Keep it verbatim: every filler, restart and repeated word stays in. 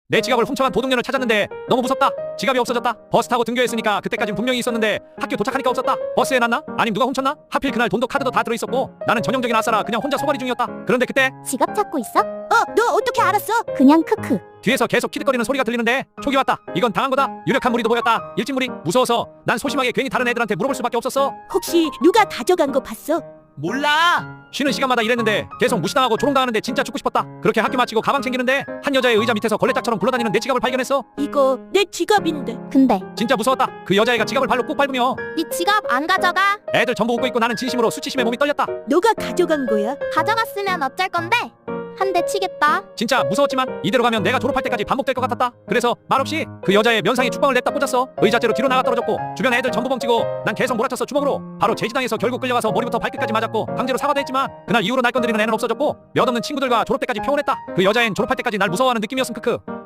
내 지갑을 훔쳐간 도둑년을 찾았는데 너무 무섭다. 지갑이 없어졌다. 버스 타고 등교했으니까 그때까진 분명히 있었는데 학교 도착하니까 없었다. 버스에 놨나? 아님 누가 훔쳤나? 하필 그날 돈도 카드도 다 들어있었고 나는 전형적인 아싸라 그냥 혼자 소가리 중이었다. 그런데 그때 지갑 찾고 있어? 어, 너 어떻게 알았어? 그냥 크크. 뒤에서 계속 키득거리는 소리가 들리는데 촉이 왔다. 이건 당한 거다. 유력한 무리도 보였다. 일진무리. 무서워서 난 소심하게 괜히 다른 애들한테 물어볼 수밖에 없었어. 혹시 누가 가져간 거 봤어? 몰라. 쉬는 시간마다 이랬는데 계속 무시당하고 조롱당하는데 진짜 죽고 싶었다. 그렇게 학교 마치고 가방 챙기는데 한 여자의 의자 밑에서 걸레짝처럼 굴러다니는 내 지갑을 발견했어. 이거 내 지갑인데. 근데 진짜 무서웠다. 그 여자애가 지갑을 발로 꾹 밟으며 네 지갑 안 가져가? 애들 전부 웃고 있고 나는 진심으로 수치심에 몸이 떨렸다. 너가 가져간 거야? 가져갔으면 어쩔 건데? 한 대 치겠다. 진짜 무서웠지만 이대로 가면 내가 졸업할 때까지 반복될 것 같았다. 그래서 말없이 그 여자의 면상에 축방을 냈다 꽂았어. 의자째로 뒤로 나가 떨어졌고 주변 애들 전부 벙찌고 난 계속 몰아쳤어 주먹으로. 바로 제지당해서 결국 끌려가서 머리부터 발끝까지 맞았고 강제로 사과도 했지만 그날 이후로 날 건드리는 애는 없어졌고 몇 없는 친구들과 졸업 때까지 평온했다. 그 여자애는 졸업할 때까지 날 무서워하는 느낌이었음 크크.